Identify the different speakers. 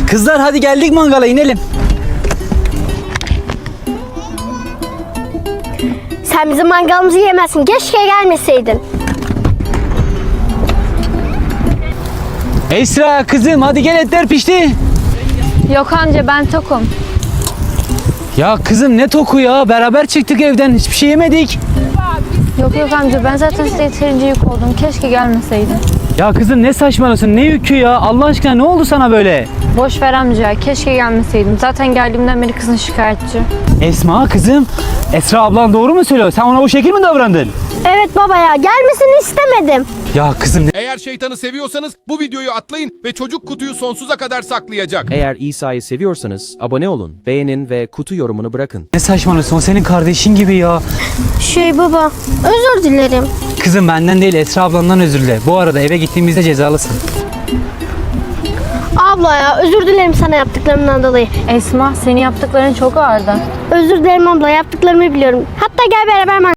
Speaker 1: Kızlar hadi geldik mangala inelim.
Speaker 2: Sen bizim mangalımızı yemezsin. Keşke gelmeseydin.
Speaker 1: Esra kızım hadi gel, etler pişti.
Speaker 3: Yok amca, ben tokum.
Speaker 1: Ya kızım ne toku ya, beraber çıktık evden, hiçbir şey yemedik.
Speaker 3: Yok amca, ben zaten size yeterince yük oldum. Keşke gelmeseydin.
Speaker 1: Ya kızım ne saçmalıyorsun, ne yükü ya, Allah aşkına ne oldu sana böyle?
Speaker 3: Boş ver amca, keşke gelmeseydim. Zaten geldiğimden beri kızın şikayetçi.
Speaker 1: Esma kızım, Esra ablan doğru mu söylüyor? Sen ona bu şekil mi davrandın?
Speaker 2: Evet baba ya, gelmesini istemedim.
Speaker 1: Ya kızım
Speaker 4: Eğer şeytanı seviyorsanız bu videoyu atlayın ve çocuk kutuyu sonsuza kadar saklayacak.
Speaker 5: Eğer İsa'yı seviyorsanız abone olun, beğenin ve kutu yorumunu bırakın.
Speaker 1: ne saçmalıyorsun, o senin kardeşin gibi ya.
Speaker 2: Baba, özür dilerim.
Speaker 1: Kızım benden değil, Esra ablandan özür dile. Bu arada eve gittiğimizde cezalısın.
Speaker 2: Abla ya, özür dilerim sana yaptıklarımdan dolayı.
Speaker 3: Esma, senin yaptıkların çok ağırdı.
Speaker 2: Özür dilerim abla, yaptıklarımı biliyorum. Hatta gel beraber